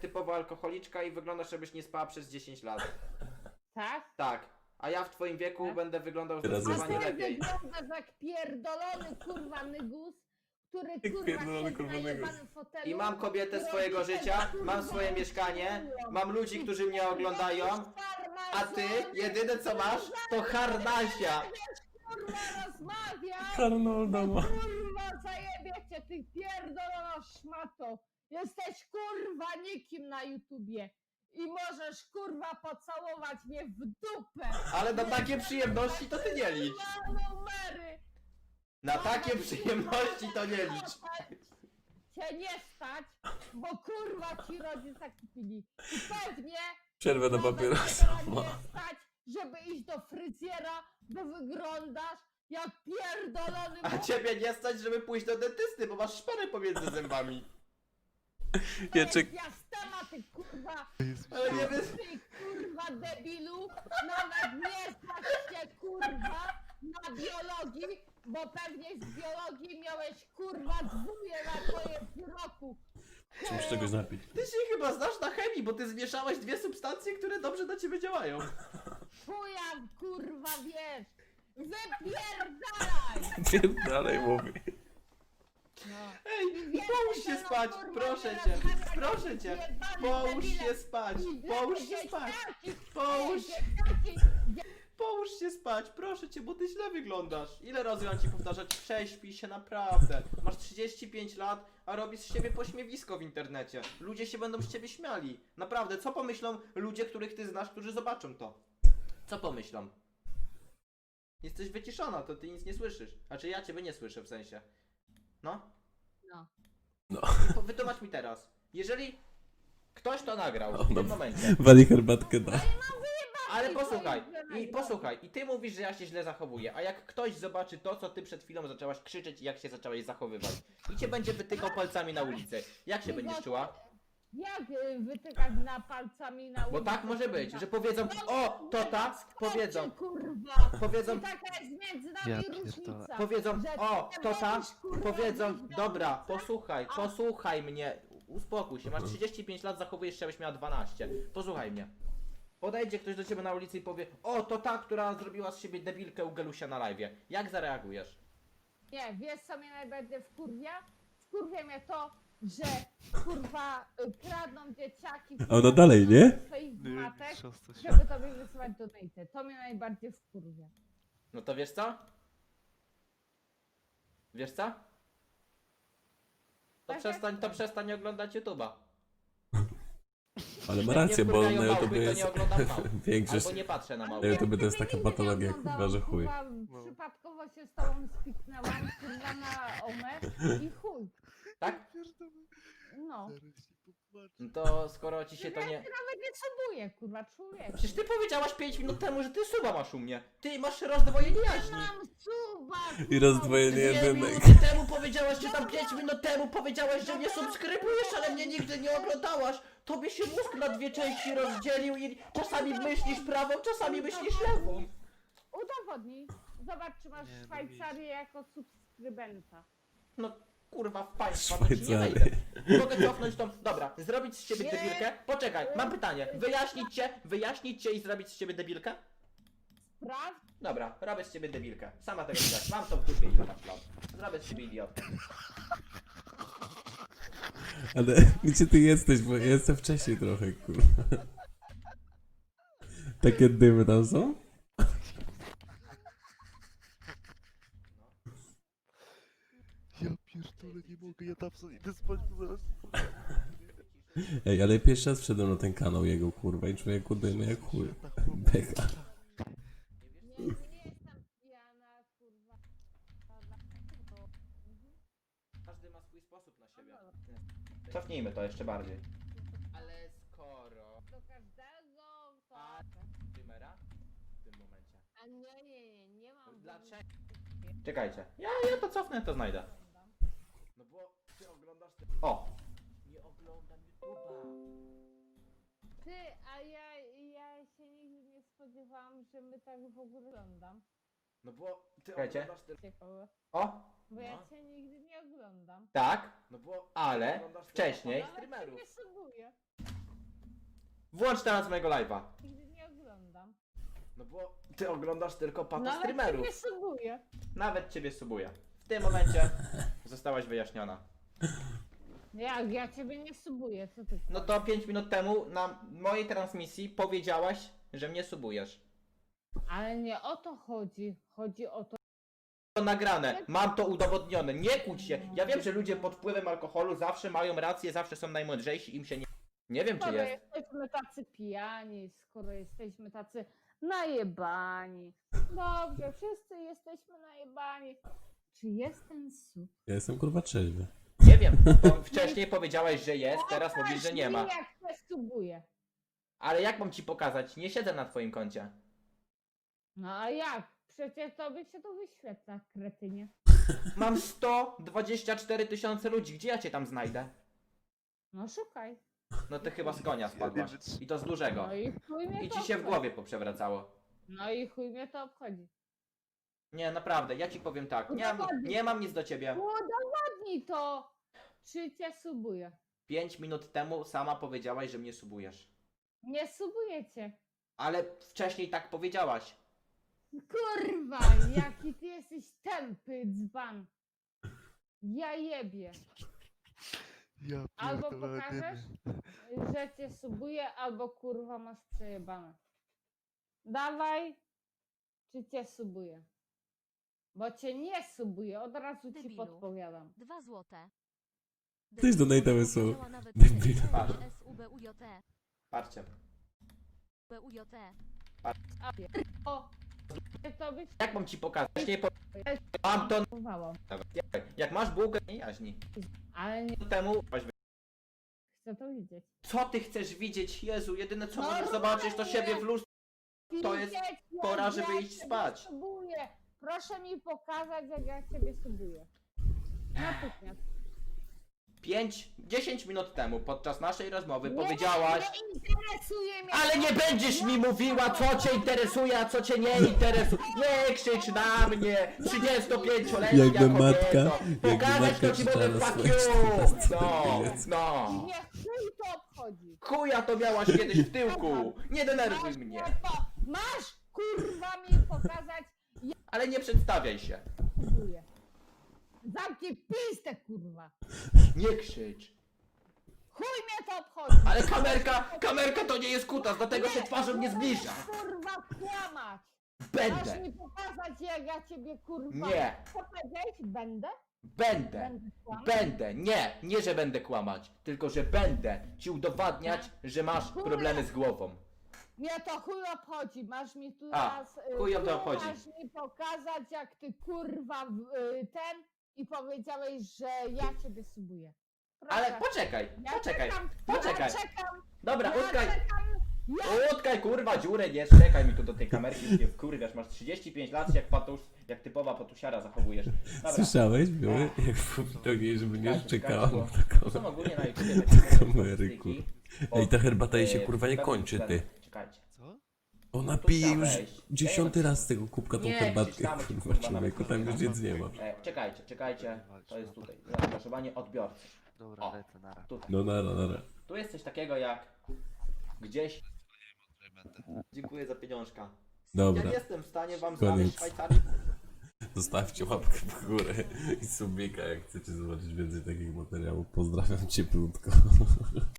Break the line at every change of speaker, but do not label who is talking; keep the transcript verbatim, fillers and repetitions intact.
typowo alkoholiczka i wyglądasz, jakbyś nie spała przez dziesięć lat.
Tak?
Tak. A ja w twoim wieku
Tak?
będę wyglądał
Teraz
A
zdecydowanie
ty
lepiej.
wyglądasz jak pierdolony kurwa nygus, który
Jak
kurwa
pierdolony,
siedzi
kurwa,
na
nygus.
jebanym fotelu.
I mam kobietę
i
swojego
robi
życia,
ten, kurwa,
mam swoje mieszkanie, mam ludzi, którzy mnie oglądają, a ty jedyne co masz to harnasia.
Kurwa rozmawiaj!
Arnolda ma.
Kurwa zajebie cię, ty pierdolona szmato! Jesteś kurwa nikim na YouTubie i możesz kurwa pocałować mnie w dupę!
Ale na takie przyjemności to ty nie licz.
Na numery!
Na takie przyjemności to nie licz.
Cię nie stać, bo kurwa ci rodzice kupili. I pewnie
Przerwę na
nawet
papierosa
cię
ma.
nie stać, żeby iść do fryzjera, bo wyglądasz jak pierdolony
A ciebie nie stać, żeby pójść do dentysty, bo masz szparę pomiędzy zębami.
Ja czek...
Jastema, ty kurwa!
Ale nie wiem.
Ty kurwa debilu! Nawet nie znasz się kurwa na biologii, bo pewnie z biologii miałeś kurwa dwóje na koniec roku!
Czy muszę czegoś napić?
Ty się chyba znasz na chemii, bo ty zmieszałeś dwie substancje, które dobrze na ciebie działają.
Chuja kurwa wiesz! Wypierdalaj!
Wiem, dalej mówię.
No.
Ej,
Wiesz,
połóż się
no,
spać,
kurwa,
proszę
nie
cię,
rozmawiaj,
proszę
jak
cię.
jebany
Połóż
debile.
się spać,
I
połóż
lepiej
się spać,
dzieciaki,
połóż,
dzieciaki,
połóż się spać, proszę cię, bo ty źle wyglądasz. Ile razy mam ci powtarzać, prześpij się naprawdę. Masz trzydzieści pięć lat, a robisz z siebie pośmiewisko w internecie. Ludzie się będą z ciebie śmiali. Naprawdę, co pomyślą ludzie, których ty znasz, którzy zobaczą to? Co pomyślą? Jesteś wyciszona, to ty nic nie słyszysz. Znaczy ja ciebie nie słyszę w sensie. No?
No.
No.
Po- Wytłumacz mi teraz. Jeżeli ktoś to nagrał
O,
w
no.
tym momencie,
Wali herbatkę da.
ale
I
posłuchaj,
to jest
i
źle
posłuchaj, i ty mówisz, że ja się źle zachowuję, a jak ktoś zobaczy to, co ty przed chwilą zaczęłaś krzyczeć i jak się zaczęłaś zachowywać i cię będzie wytykał palcami na ulicy, jak się będziesz czuła?
Jak y, wytykać na palcami na
Bo
ulicy,
tak może być,
kurwa?
że powiedzą, o, to ta, powiedzą,
Kurwa!
powiedzą,
I taka jest między nami
Ja
różnica.
pierdolę.
powiedzą,
że
o,
ty
to ta,
będziesz, kurwa,
powiedzą,
wyjść na
dobra,
ulicę,
posłuchaj,
a-
posłuchaj mnie, uspokój się, masz trzydzieści pięć lat, zachowujesz się, jakbyś miała dwanaście, posłuchaj mnie. Podejdzie ktoś do ciebie na ulicy i powie, o, to ta, która zrobiła z siebie debilkę u Gelusia na live'ie. Jak zareagujesz?
Nie, wiesz co mnie najbardziej wkurwia? Wkurwia mnie to, że kurwa y, kradną dzieciaki
A ona dalej, nie?
swoich
Nie,
matek,
siostra się-
żeby tobie wysyłać donate. To mnie najbardziej wkurwia.
No to wiesz co? Wiesz co? To
Tak
przestań,
jak
to
chcę.
przestań oglądać YouTube'a.
Ale ma
Jak
rację,
mnie
bo
wkurwiają
na
małpy,
YouTubie
to
jest
nie oglądam małp.
większość...
Albo nie patrzę na
Ale
małpy.
Na YouTubie to jest
nigdy
taka
nie
patologia,
oglądałam,
kurwa, że chuj.
kurwa,
No.
Przypadkowo się z tobą spiknęłam, kurwa, na omę i chuj.
Tak?
No.
Zaraz się popłaczę.
No to skoro ci się to
Ja
nie...
się nawet nie subuję, kurwa, człowieku.
Przecież ty powiedziałaś pięć minut temu, że ty suba masz u mnie. Ty masz rozdwojenie jaźni.
Mam suba,
I rozdwojenie
Dwie
jedynek.
minuty temu powiedziałaś, czy tam pięć minut temu powiedziałaś, że mnie subskrybujesz, ale mnie nigdy nie oglądałaś. Tobie się mózg na dwie części rozdzielił i czasami myślisz prawą, czasami myślisz lewą.
Udowodnij. Zobacz, czy masz
Nie, no
Szwajcarię jako subskrybenta.
No kurwa w państwa, to ci nie
Szwajcary.
wejdę. Mogę cofnąć tą... Dobra, zrobić z ciebie
Nie.
debilkę? Poczekaj, mam pytanie. Wyjaśnić cię, wyjaśnić cię i zrobić z ciebie debilkę?
Sprawdź.
Dobra, robię z ciebie debilkę. Sama tego widać. Mam to w dupie i masz plan. Zrobię z ciebie idiotkę.
Ale gdzie ty jesteś, bo ja jestem wcześniej trochę, kurwa. Takie dymy tam są?
Ja pierdolę, nie mogę, ja tam sobie idę spać, bo zaraz...
Ej, ale pierwszy raz wszedłem na ten kanał jego, kurwa, i człowieku dymy jak chuj. Beka.
Nie, nie jestem pijana, kurwa.
Każdy ma swój sposób na siebie. Cofnijmy to jeszcze bardziej. Ale skoro...
Do każdego to...
Streamera? W tym momencie.
A nie, nie, nie, nie mam...
Dlaczego? Czekajcie. Ja, ja to cofnę, to znajdę. No bo ty oglądasz te... O! Nie oglądam YouTube'a.
Ty, a ja, ja się nigdy nie spodziewałam, że my tak w ogóle oglądam.
No bo ty Czekajcie. oglądasz te...
Ciekawe.
O!
Bo ja
No.
cię nigdy nie oglądam.
Tak, no bo... Ale
Ja
wcześniej...
nawet cię nie subuję.
Włącz teraz mojego live'a.
Nigdy nie oglądam.
No bo ty oglądasz tylko pato
Nawet
streamerów.
nie subuję.
Nawet ciebie subuję. W tym momencie zostałaś wyjaśniona.
Jak ja ciebie nie subuję, co ty?
No to pięć minut temu na mojej transmisji powiedziałaś, że mnie subujesz.
Ale nie o to chodzi. Chodzi o to.
To nagrane, mam to udowodnione, nie kłóć się. Ja wiem, że ludzie pod wpływem alkoholu zawsze mają rację, zawsze są najmądrzejsi, im się nie... Nie wiem, czy
Skoro
jest.
jesteśmy tacy pijani, skoro jesteśmy tacy najebani. Dobrze, wszyscy jesteśmy najebani. Czy jest ten sub?
Ja jestem kurwa trzeźwy.
Nie wiem, bo wcześniej powiedziałaś, że jest, teraz mówisz, że nie ma.
Jak się subuje.
Ale jak mam ci pokazać? Nie siedzę na twoim koncie.
No a jak? Przecież tobie się to wyświetla, kretynie.
Mam sto dwadzieścia cztery tysiące ludzi, gdzie ja cię tam znajdę?
No szukaj.
No ty chyba z konia spadłaś. I to z dużego.
No i chuj mnie
I
to
ci się w
obchodzi.
głowie poprzewracało.
No i chuj mnie to obchodzi.
Nie, naprawdę, ja ci powiem tak. Nie mam, nie mam nic do ciebie.
Udowodnij to! Czy cię subuje?
Pięć minut temu sama powiedziałaś, że mnie subujesz.
Nie subuję cię.
Ale wcześniej tak powiedziałaś.
Kurwa, jaki ty jesteś tępy dzban. Ja jebie.
Ja
Albo
pierdolę,
pokażesz,
dymy.
że cię subuje, albo kurwa masz przejebane. Dawaj, czy cię subuje. Bo cię nie subuje, od razu ci
Debilu.
podpowiadam.
Dwa złote.
Ktoś donate'a wysłał.
Powiedziała nawet
Debil.
S U B U J T.
Patrzcie.
B U J T.
O, to być
Jak mam ci pokazać? Wcześniej po... Mam to...
próbowało.
Jak masz bułkę, nie jaźni.
Ale nie
Temu...
chcę to widzieć.
Co ty chcesz widzieć? Jezu, jedyne co
No
możesz zobaczyć to siebie w lustrze. To jest
Widzieć, jak
pora, żeby
ja
iść
ciebie
spać.
Subuję. Proszę mi pokazać, jak ja ciebie subuję. Natychmiast.
pięć, dziesięć minut temu podczas naszej rozmowy
Nie,
powiedziałaś...
Nie interesuje mnie.
Ale nie będziesz mi mówiła, co cię interesuje, a co cię nie interesuje. Nie krzycz na mnie, trzydziestopięcioletnia
Jakby
kobieto.
matka- jakby
Pokazać
matka
to ci
krzyczała
mogę
na
fuck
swoje
you.
czternaste
No,
dziecko.
no.
Nie chuj to obchodzi.
Chuja to miałaś kiedyś w tyłku. Nie denerwuj
Masz,
mnie.
to- masz kurwa mi pokazać, jak
Ale nie przedstawiaj się.
subuję. Zamknij pistę kurwa.
Nie krzycz.
Chuj mnie to obchodzi.
Ale kamerka, kamerka to nie jest kutas, dlatego się twarzą nie zbliża.
Kurwa kłamać. Masz
Będę,
mi pokazać, jak ja ciebie kurwa...
Nie.
Co powiedziałeś? Będę?
będę.
Będę kłamać?
Będę, nie, nie że będę kłamać, tylko że będę ci udowadniać, że masz problemy z głową.
Mnie to chuj obchodzi, masz mi tu
A,
raz... y,
chuj ją to
tu
obchodzi.
Masz mi pokazać, jak ty kurwa w, y, ten i powiedziałeś, że ja ciebie subuję. Proszę.
Ale poczekaj,
Ja
poczekaj,
czekam,
poczekaj.
Ja czekam,
Dobra,
ja
utkaj,
czekam, ja...
utkaj kurwa dziurę, nie czekaj mi tu do tej kamerki, nie wkurwiasz, masz trzydzieści pięć lat, jak patusz, jak typowa patusiara zachowujesz. Dobra,
Słyszałeś, były? Jak powiedzieli, żeby nie
czekajcie,
szczekała
czekajcie,
na
bo
taką...
są ogólnie na YouTubie takie
kamery,
statystyki
Ej, ta herbata jej się
od,
kurwa nie
e,
kończy, ty.
Czekajcie.
Co?
Ona
Tu
pije
trzeba
już
wejść.
dziesiąty raz z tego kubka tą
Nie,
herbatkę,
krzyczamy ci,
kurwa,
kurwa,
człowieku,
nawet
tam już
nie
nic nie ma.
E, czekajcie, czekajcie, to jest tutaj, zaangażowanie odbiorcy.
Dobra,
O.
lecę, nara.
Tutaj.
No nara, nara.
Tu jest coś takiego jak gdzieś... Dziękuję za pieniążka.
Dobra,
Ja nie jestem w stanie wam
Koniec.
znaleźć Szwajcarii.
zostawcie łapkę w górę i subika, jak chcecie zobaczyć więcej takich materiałów. Pozdrawiam cieplutko.